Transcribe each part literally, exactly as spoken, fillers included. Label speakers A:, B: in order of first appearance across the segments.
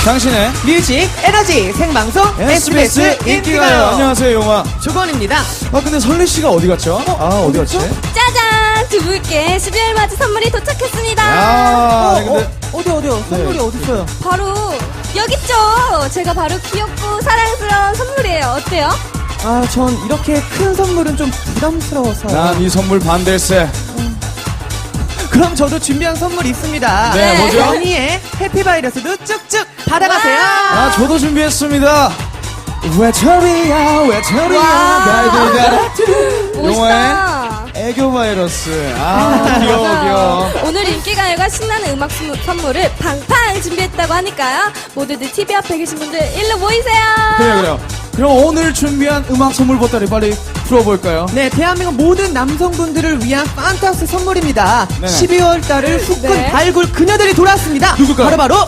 A: 당신의
B: 뮤직 에너지 생방송
A: 에스비에스
B: 에스비에스
A: 인기가요.
B: 인기가요.
A: 안녕하세요, 용아.
B: 조건입니다.
A: 아, 근데 설리 씨가 어디 갔죠? 아, 어디 갔지?
C: 짜잔! 두 분께 십이월 맞이 선물이 도착했습니다.
A: 아,
B: 어,
A: 근데
B: 어, 어디 어디요? 선물이
A: 네.
B: 어디 있어요?
C: 바로 여기 있죠. 제가 바로 귀엽고 사랑스러운 선물이에요. 어때요?
B: 아, 전 이렇게 큰 선물은 좀 부담스러워서.
A: 난 이 선물 반댈세.
B: 그럼 저도 준비한 선물 있습니다.
A: 네, 뭐죠?
B: 연희의 해피바이러스도 쭉쭉 받아가세요.
A: 아, 저도 준비했습니다. 외톨이야, 외톨이야,
B: 와.
A: 날들 용화의
C: 멋있다.
A: 애교 바이러스. 아, 귀여워, 귀여워.
C: 오늘 인기가요가 신나는 음악 수- 선물을 팡팡 준비했다고 하니까요. 모두들 티비 앞에 계신 분들 일로 모이세요.
A: 그래요, 그래요. 그럼 오늘 준비한 음악 선물 보따리 빨리 풀어볼까요?
B: 네, 대한민국 모든 남성분들을 위한 판타스 선물입니다.
A: 네네.
B: 십이월 달을 후끈
C: 네.
B: 발굴 그녀들이 돌아왔습니다.
A: 누굴까요?
B: 바로 바로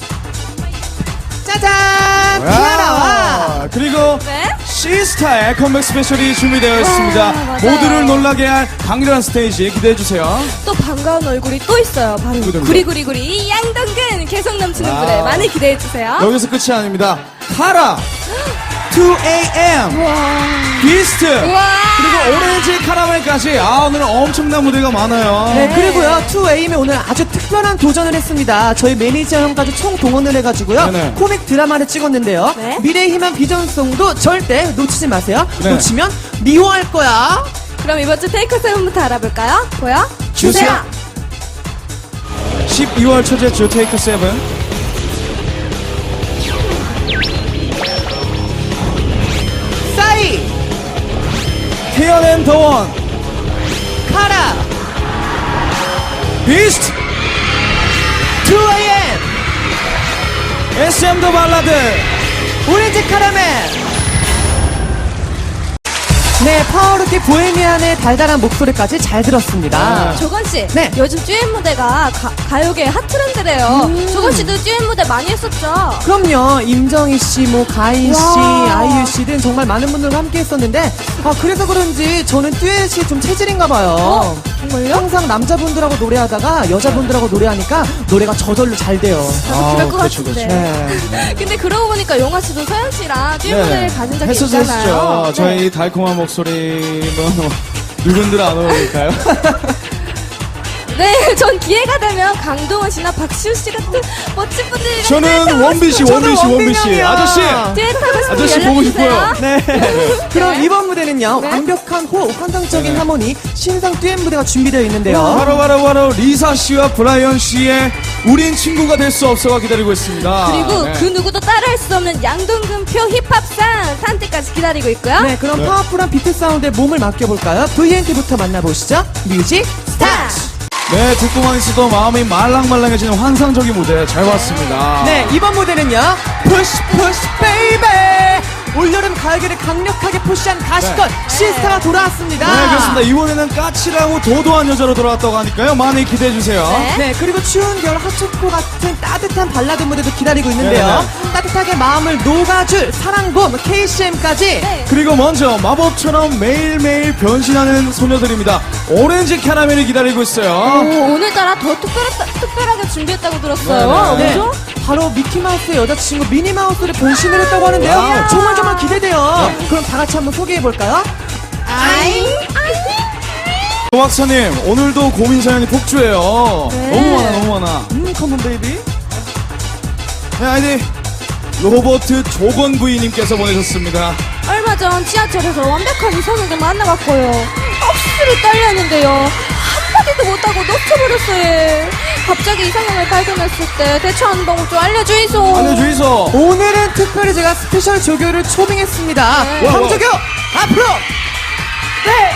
B: 짜잔! 티아라와
A: 와, 그리고
C: 네.
A: 시스타의 컴백 스페셜이 준비되어 있습니다.
C: 와, 맞아요.
A: 모두를 놀라게 할 강렬한 스테이지 기대해주세요.
C: 또 반가운 얼굴이 또 있어요. 바로
A: 누구든가.
C: 구리구리구리 양동근 계속 넘치는
A: 와.
C: 무대 많이 기대해주세요.
A: 여기서 끝이 아닙니다. 카라, 투 에이엠, 비스트,
C: 우와.
A: 그리고 오렌지 카라멜까지. 아, 오늘 엄청난 무대가 많아요.
B: 네, 그리고요, 투에이엠이 오늘 아주 특별한 도전을 했습니다. 저희 매니저 형까지 총 동원을 해가지고요,
A: 네네.
B: 코믹 드라마를 찍었는데요.
C: 네.
B: 미래의 희망 비전송도 절대 놓치지 마세요.
A: 네.
B: 놓치면 미워할 거야.
C: 그럼 이번 주 테이크 세븐부터 알아볼까요? 보여?
A: 주세요. 십이월 초째 주 테이크 세븐.
B: 싸이,
A: 태연 앤 더원,
B: 카라,
A: 비스트,
B: 투에이엠,
A: 에스엠 더 발라드.
B: 오렌지 카라멜. 네, 파워루키 보헤미안의 달달한 목소리까지 잘 들었습니다.
A: 네.
C: 조건 씨,
B: 네.
C: 요즘 듀엣 무대가 가, 가요계 핫트렌드래요.
B: 음.
C: 조건 씨도 듀엣 무대 많이 했었죠?
B: 그럼요, 임정희 씨, 뭐 가인 씨,
C: 와.
B: 아이유 씨 등 정말 많은 분들과 함께 했었는데, 아 그래서 그런지 저는 듀엣이 좀 체질인가 봐요.
C: 어? 정말요?
B: 항상 남자분들하고 노래하다가 여자분들하고 노래하니까 노래가 저절로 잘 돼요.
C: 저도
A: 아,
C: 그럴 것
A: 그렇죠,
C: 같은데.
B: 네.
C: 근데 그러고 보니까 용화 씨도 서현 씨랑 듀엣 무대를 가진 적이
A: 했었죠,
C: 있잖아요.
A: 했었죠. 저희 달콤한 목소리는 누군들 안 어울릴까요?
C: 네, 전 기회가 되면 강동원 씨나 박시우 씨 같은 멋진 분들이랑
A: 저는 원빈 씨,
B: 저도
A: 원빈 씨, 원빈 씨.
B: 원빈형이요.
A: 아저씨.
C: 듀엣하고 싶으면
A: 아저씨 보고 싶어요.
B: 네. 그럼 이번 무대는요,
C: 네.
B: 완벽한 호흡, 환상적인
A: 네.
B: 하모니, 신상 듀엣 무대가 준비되어 있는데요.
A: 바로 바로 바로 리사 씨와 브라이언 씨의 우린 친구가 될 수 없어가 기다리고 있습니다.
C: 그리고
A: 네.
C: 그 누구도 따라할 수 없는 양동근표 힙합상 탄때까지 기다리고 있고요.
B: 네, 그럼
A: 네.
B: 파워풀한 비트 사운드에 몸을 맡겨볼까요? 브이엔티부터 만나보시죠. 뮤직 스타트!
A: 네, 듣고만 있어도 마음이 말랑말랑해지는 환상적인 무대 잘 봤습니다.
B: 네, 이번 무대는요, 푸시 푸시 베이베! 올여름 가을계를 강력하게 푸시한 가시권
A: 네.
B: 시스타가 돌아왔습니다.
A: 네, 그렇습니다. 이번에는 까칠하고 도도한 여자로 돌아왔다고 하니까요. 많이 기대해주세요.
C: 네.
B: 네, 그리고 추운 겨울 핫초코 같은 따뜻한 발라드 무대도 기다리고 있는데요.
A: 네,
B: 따뜻하게 마음을 녹아줄 사랑봄 케이씨엠까지.
C: 네.
A: 그리고 먼저 마법처럼 매일매일 변신하는 소녀들입니다. 오렌지 캐러멜이 기다리고 있어요.
C: 오, 오늘따라 더 특별하, 특별하게 준비했다고 들었어요.
A: 네, 네.
C: 뭐죠?
B: 바로 미키마우스의 여자친구 미니마우스를 변신을 했다고 하는데요.
A: 와우.
B: 정말 정말 기대돼요. 그럼 다 같이 한번 소개해볼까요?
C: 아잉,
A: 조 박사님, 오늘도 고민 사연이 폭주해요.
C: 네.
A: 너무 많아, 너무 많아.
B: 음, 컴온 베이비.
A: 네, 아이디 로버트 조건 부인님께서 보내셨습니다.
C: 얼마 전 지하철에서 완벽한 이성에게 만나봤고요. 억수로 떨렸는데요. 한마디도 못하고 놓쳐버렸어요. 갑자기 이상형을 발견했을 때 대처하는 방법 좀 알려주이소.
A: 알려주이소.
B: 오늘은 특별히 제가 스페셜 조교를 초빙했습니다.
C: 네.
B: 황조교 앞으로. 네.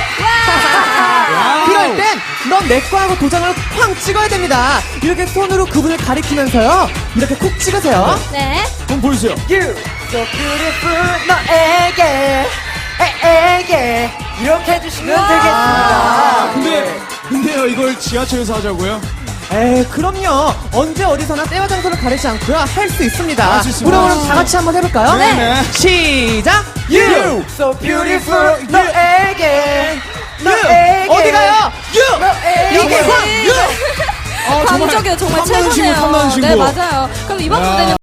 A: 와우.
B: 그럴 땐 넌 내 거하고 도장을 쾅 찍어야 됩니다. 이렇게 손으로 그분을 가리키면서요. 이렇게 콕 찍으세요.
C: 네.
A: 한번 보여주세요.
B: You so beautiful 너에게 에에게 이렇게 해주시면
A: 아,
B: 되겠습니다.
A: 근데, 근데요, 이걸 지하철에서 하자고요?
B: 에이, 그럼요. 언제 어디서나 때와 장소를 가리지 않고요. 할 수 있습니다.
A: 할수 있습니다.
B: 그럼 그럼 다 같이 한번 해볼까요?
A: 네. 네.
B: 시작.
A: You
B: so beautiful 너에게 너에게 어디가요? You
C: 너에게.
B: 이게
A: You. 어, 정말
C: 감정이요 정말
A: 탐나는 친구,
C: 최고네요.
A: 탐나는 친구.
C: 네 맞아요. 그럼 이번
A: 야.
C: 무대는